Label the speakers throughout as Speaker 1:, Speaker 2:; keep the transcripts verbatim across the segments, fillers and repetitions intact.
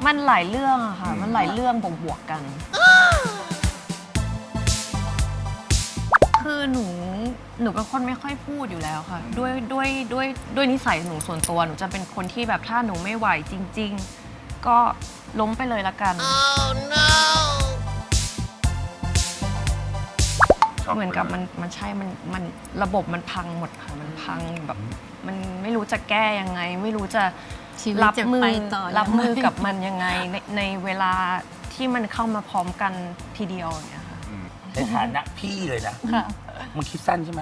Speaker 1: มันหลายเรื่องอะค่ะมันหลายเรื่องบวกๆกันคือหนูหนูเป็นคนไม่ค่อยพูดอยู่แล้วค่ะด้วยด้วยด้วยด้วยนิสัยหนูส่วนตัวหนูจะเป็นคนที่แบบถ้าหนูไม่ไหวจริงๆก็ล้มไปเลยละกัน oh, no. เหมือนกับมันมันใช่มันมันระบบมันพังหมดค่ะมันพังแบบมันไม่รู้จะแก้ยังไงไม่รู้จะรับมือรับมือกับมันยังไงในในเวลาที่มันเข้ามาพร้อมกันทีเดียวเนี่ยค่ะ
Speaker 2: ในฐานะพี่เลยนะมึงคิดสั้นใช่ไหม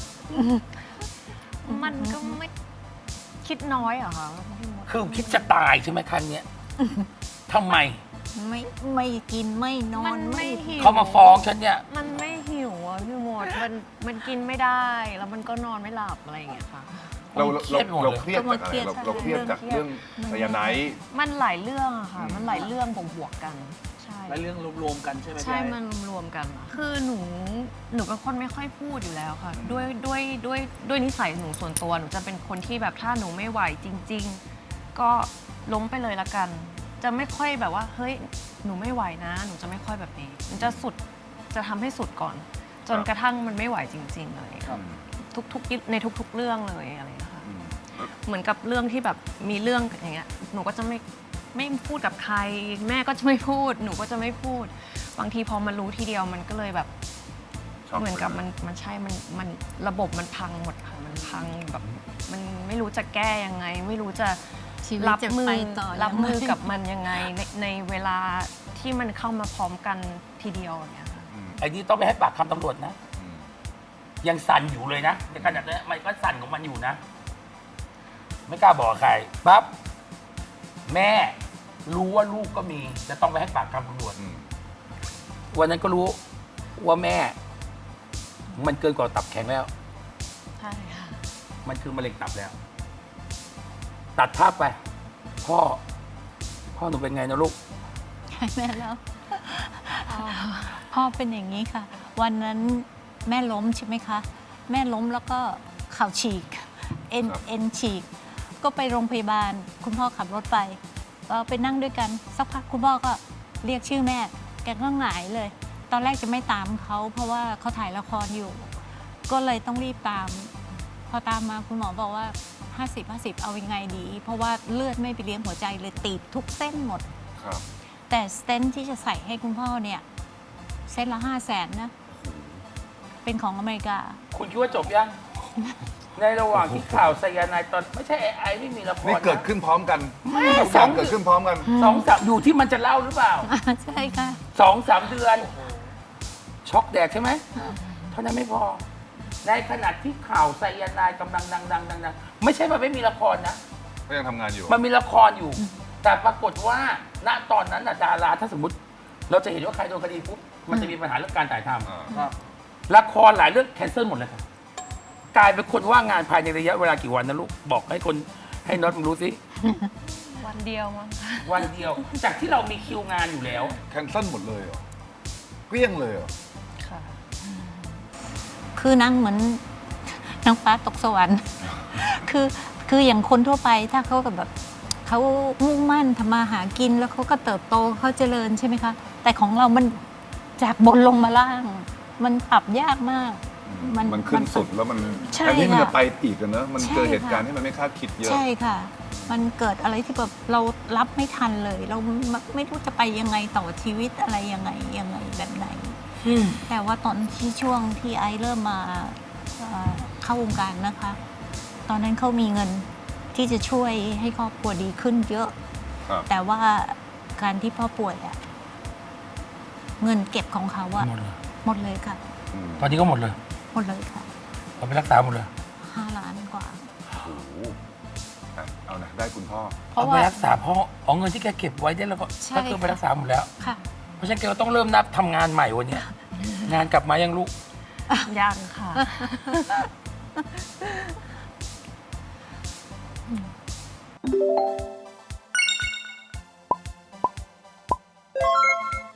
Speaker 1: มันก็ไม่คิดน้อยเหรอคะ
Speaker 2: คือคิดจะตายใช่ไหมครั้งเนี้ยทำไม
Speaker 3: ไม่ไม่กินไม่นอนไม่
Speaker 1: หิว
Speaker 2: เขามาฟ้องฉันเนี่ย
Speaker 1: มันไม่หิวอ่ะพี่มดมันมันกินไม่ได้แล้วมันก็นอนไม่หลับอะไรอย่างเงี้ยค่ะ
Speaker 4: เราเราเราเครียดจากอะไรเราเราเครียดจากเรื่องไซยาไนด์
Speaker 1: มันหลายเรื่องอะค่ะมันหลายเรื่องบวกๆกันใช่
Speaker 5: และเรื่องรวมๆกันใช่ไหม
Speaker 1: ใช่มันรวมๆกันคือหนูหนูเป็นคนไม่ค่อยพูดอยู่แล้วค่ะด้วยด้วยด้วยด้วยนิสัยหนูส่วนตัวหนูจะเป็นคนที่แบบถ้าหนูไม่ไหวจริงๆก็ล้มไปเลยละกันจะไม่ค่อยแบบว่าเฮ้ยหนูไม่ไหวนะหนูจะไม่ค่อยแบบนี้มันจะสุดจะทำให้สุดก่อนจนกระทั่งมันไม่ไหวจริงๆเลยทุกๆในทุกๆเรื่องเลยอะไรนะคะเหมือนกับเรื่องที่แบบมีเรื่องอย่างเงี้ยหนูก็จะไม่ไม่พูดกับใครแม่ก็จะไม่พูดหนูก็จะไม่พูดบางทีพอมารู้ทีเดียวมันก็เลยแบบเหมือนกับมันมันใช่มันมันระบบมันพังหมดค่ะมันพังแบบมันไม่รู้จะแก้ยังไงไม่รู้จะรับมือรับมือกับมันยังไงในในเวลาที่มันเข้ามาพร้อมกันทีเดียวเนี่ยค่ะ
Speaker 2: ไอ้นี่ต้องไปให้ปากคำตำรวจนะยังสั่นอยู่เลยนะในขณะนี้มันก็สั่นของมันอยู่นะไม่กล้าบอกใครปั๊บแม่รู้ว่าลูกก็มีจะต้องไปให้ปากคำตำรวจวันนั้นก็รู้ว่าแม่มันเกินกว่าตับแข็งแล้ว
Speaker 1: ใช่ค่ะ
Speaker 2: มันคือมะเร็งตับแล้วตัดภาพไปพ่อพ่อหนูเป็นไงนะลูก
Speaker 3: ใช่แม่แล้วพ่อเป็นอย่างนี้ค่ะ วันนั้นแม่ล้มใช่ไหมคะแม่ล้มแล้วก็เข่าฉีกเอ็นเอ็นฉีกก็ไปโรงพยาบาลคุณพ่อขับรถไปก็ไปนั่งด้วยกันสักพักคุณพ่อก็เรียกชื่อแม่แกก็หงายเลยตอนแรกจะไม่ตามเขาเพราะว่าเขาถ่ายละครอยู่ก็เลยต้องรีบตามพอตามมาคุณหมอบอกว่าห้าสิบ ห้าสิบเอายังไงดีเพราะว่าเลือดไม่ไปเลี้ยงหัวใจเลยตีบทุกเส้นหมดแต่สเตนท์ที่จะใส่ให้คุณพ่อเนี่ยเส้นละห้าแสนนะเป็นของอเมริกา
Speaker 2: คุณคิดว่าจบยัง ในระหว่างที่ข่าวไซยาไนด์ตอนไม่ใช่ไอไม่มีละคร
Speaker 4: นี่เกิดขึ้นพร้อมกันทุกอย่างเกิดขึ้นพร้อมกัน
Speaker 2: สองสามอยู่ที่มันจะเล่าหรือเปล่า
Speaker 3: ใช่ค่ะ
Speaker 2: สองสามเดือนช็อกแดกใช่ไหมเท่านั้นไม่พอในขณะที่ข่าวไซยาไนด์กำลังดังๆๆๆไม่ใช่มันไม่มีละครนะ
Speaker 4: ก็ยังทำงานอยู่
Speaker 2: มันมีละครอยู่แต่ปรากฏว่าณตอนนั้นน่ะดาราถ้าสมมติเราจะเห็นว่าใครโดนคดีปุ๊บมันจะมีปัญหาเรื่องการถ่ายทำละครหลายเรื่องแคนเซิลหมดเลยค่ะกลายเป็นคนว่างงานภายในระยะเวลากี่วันนะลูกบอกให้คนให้น็อตมึงรู้สิ
Speaker 1: วันเดียวมั้ง
Speaker 2: วันเดียวจากที่เรามีคิวงานอยู่แล้ว
Speaker 4: แคนเซิลหมดเลยเหรอเกลี้ยงเลยเหรอ
Speaker 3: ค่ะคือนั่งเหมือนนางฟ้าตกสวรรค์คือคืออย่างคนทั่วไปถ้าเขาแบบเขามุ่งมั่นทำมาหากินแล้วเขาก็เติบโตเขาเจริญใช่ไหมคะแต่ของเรามันจากบนลงมาล่างมันปรับยากมาก
Speaker 4: มันมันขึ้นสุดแล้วมันแทนที่มันจะไปอีกกันเนอะมันเจอเหตุการณ์ที่มันไม่คาดคิดเยอะ
Speaker 3: ใช่ค่ะมันเกิดอะไรที่แบบเรารับไม่ทันเลยเราไม่รู้จะไปยังไงต่อชีวิตอะไรยังไงยังไงแบบไหนแต่ว่าตอนที่ช่วงที่ไอเริ่มมาเข้าวงการนะคะตอนนั้นเขามีเงินที่จะช่วยให้ครอบครัวดีขึ้นเยอะแต่ว่าการที่พ่อป่วยอะเงินเก็บของเขาอะหมดเลยค่ะ
Speaker 2: ตอนนี้ก็หมดเลย
Speaker 3: หมดเลยค่ะ
Speaker 2: เราไปรักษาหมดเลย
Speaker 3: ห้าล้านกว่า
Speaker 4: โอ้โหเอานะได้คุณพ่อ
Speaker 2: เอาไปรักษาพ่อเอาเงินที่แกเก็บไว้ได้แล้วก็ก็คือไปรักษาหมดแล้ว
Speaker 3: ค่ะ
Speaker 2: เพราะฉะนั้นแกก็ต้องเริ่มนับทำงานใหม่วันนี้งานกลับมายังลูก
Speaker 1: ยังค่ะ
Speaker 3: Mm.